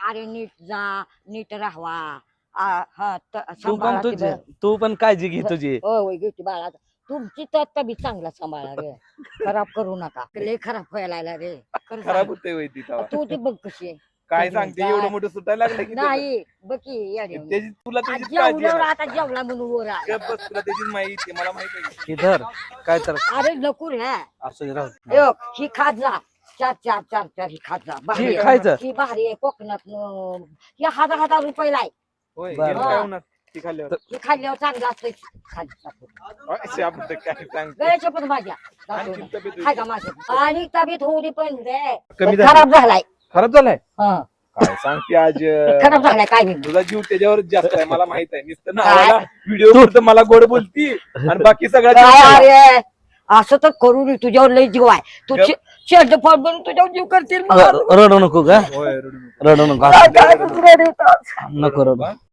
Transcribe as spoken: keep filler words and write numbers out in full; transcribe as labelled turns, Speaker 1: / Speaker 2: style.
Speaker 1: अरे नीट जा नीट राहावा आ, हा त-
Speaker 2: तू पण
Speaker 1: सांभाळा
Speaker 2: तुझी
Speaker 1: तिथं.
Speaker 2: तू पण काळजी घे तुझी
Speaker 1: होय होय घेते बाळा तुमची तर तब्येत चांगला सांभाळा रे खराब करू नका लय खराब व्हायला लागला रे खरं
Speaker 3: खराब
Speaker 1: सांग.
Speaker 3: होते वय ती तेव्हा.
Speaker 1: तू ती बघ कशी आहे.
Speaker 3: काय
Speaker 1: तुझी
Speaker 3: सांगते
Speaker 1: काय?
Speaker 3: एवढं मोठं सुटायला लागलं की त्याचं.
Speaker 1: नाही बघ की येड्या.
Speaker 3: त्याची तुला
Speaker 1: आ,
Speaker 3: त्याची काळजी
Speaker 1: जेवल्यावर
Speaker 3: आहे.
Speaker 1: आता जेवला म्हणून वर आला.
Speaker 3: गप्प बस, तुला त्याची माहिती आहे, मला माहिती आहे.
Speaker 2: की धर काय तर
Speaker 1: अरे नको रे
Speaker 2: असं राहू
Speaker 1: ए, ही खात जा चार चार चार चार ही खात जा भारी
Speaker 2: ही
Speaker 1: आहे.
Speaker 2: खायचं
Speaker 1: ही भारी आहे कोकणात ही हजार हजार रुपयाला आहे
Speaker 3: होय
Speaker 2: बरं.
Speaker 3: गेलं काय होणार ती खाल्ल्यावर
Speaker 1: ही खाल्ल्यावर चांगलं असतं खाली
Speaker 3: अशी आपण तर काय सांगते
Speaker 1: गळ्याच्या पण भाज्या
Speaker 3: आणखी तब्येत होईल.
Speaker 1: खाय का माझ्या आणि तब्येत होऊ पण रे
Speaker 3: कमी झाली.
Speaker 1: खराब झालाय
Speaker 3: खराब झालाय
Speaker 1: हं.
Speaker 3: काय सांगते आज
Speaker 1: खराब झालाय काय नाही
Speaker 3: तुझा जीव त्याच्यावर जास्त आहे मला माहित आहे नुसतं
Speaker 1: काय?
Speaker 3: ना व्हिडिओ करतो मला गोड बोलती आणि बाकी सगळ्या जीव
Speaker 1: काय
Speaker 3: त्याला.
Speaker 1: अरे असं तर करू नये तुझ्यावर लय जीव आहे तू
Speaker 3: गप.
Speaker 1: शेड फळ बनून तुझ्यावर जीव करतील मला.
Speaker 2: रडू नको का
Speaker 3: होय रडू नको.
Speaker 2: रडू नको
Speaker 1: काय काय दुसरं देतात.
Speaker 2: नको रडू